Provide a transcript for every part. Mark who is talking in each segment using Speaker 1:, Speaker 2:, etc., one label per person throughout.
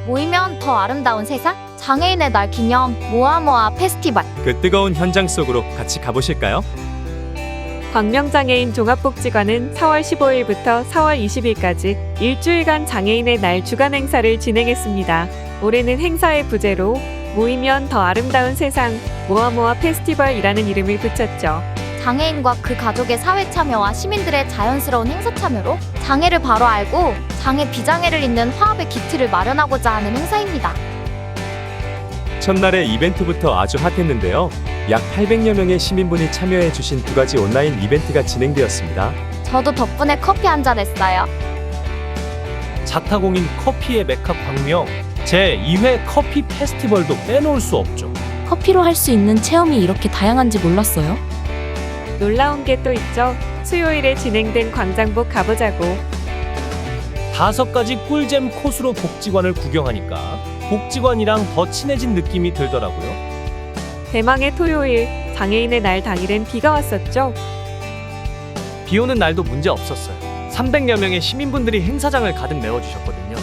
Speaker 1: 모이면 더 아름다운 세상? 장애인의 날 기념 모아모아 페스티벌.
Speaker 2: 그 뜨거운 현장 속으로 같이 가보실까요?
Speaker 3: 광명장애인 종합복지관은 4월 15일부터 4월 20일까지 일주일간 장애인의 날 주간 행사를 진행했습니다. 올해는 행사의 부제로 모이면 더 아름다운 세상 모아모아 페스티벌이라는 이름을 붙였죠.
Speaker 1: 장애인과 그 가족의 사회 참여와 시민들의 자연스러운 행사 참여로 장애를 바로 알고 장애 비장애를 잇는 화합의 기틀을 마련하고자 하는 행사입니다.
Speaker 2: 첫날의 이벤트부터 아주 핫했는데요. 약 800여 명의 시민분이 참여해 주신 두 가지 온라인 이벤트가 진행되었습니다.
Speaker 1: 저도 덕분에 커피 한잔 했어요.
Speaker 4: 자타공인 커피의 메카 광명 제2회 커피 페스티벌도 빼놓을 수 없죠.
Speaker 5: 커피로 할 수 있는 체험이 이렇게 다양한지 몰랐어요.
Speaker 3: 놀라운 게 또 있죠. 수요일에 진행된 광장복 가보자고.
Speaker 4: 5가지 꿀잼 코스로 복지관을 구경하니까 복지관이랑 더 친해진 느낌이 들더라고요.
Speaker 3: 대망의 토요일 장애인의 날 당일엔 비가 왔었죠.
Speaker 4: 비 오는 날도 문제 없었어요. 300여 명의 시민분들이 행사장을 가득 메워주셨거든요.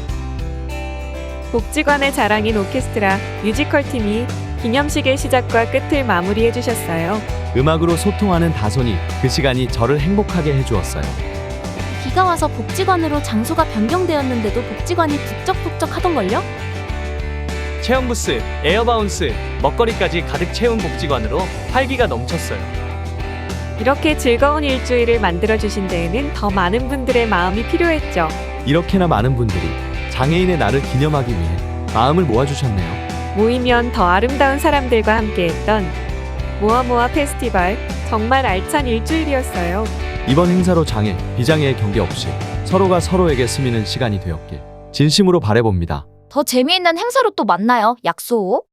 Speaker 3: 복지관의 자랑인 오케스트라 뮤지컬 팀이 기념식의 시작과 끝을 마무리해 주셨어요.
Speaker 6: 음악으로 소통하는 다손이 그 시간이 저를 행복하게 해주었어요.
Speaker 5: 비가 와서 복지관으로 장소가 변경되었는데도 복지관이 북적북적 하던걸요?
Speaker 4: 체험 부스, 에어바운스, 먹거리까지 가득 채운 복지관으로 활기가 넘쳤어요.
Speaker 3: 이렇게 즐거운 일주일을 만들어주신 데에는 더 많은 분들의 마음이 필요했죠.
Speaker 6: 이렇게나 많은 분들이 장애인의 날을 기념하기 위해 마음을 모아주셨네요.
Speaker 3: 모이면 더 아름다운 사람들과 함께했던 모아모아 페스티벌 정말 알찬 일주일이었어요.
Speaker 6: 이번 행사로 장애, 비장애의 경계 없이 서로가 서로에게 스미는 시간이 되었길 진심으로 바라봅니다.
Speaker 1: 더 재미있는 행사로 또 만나요. 약속.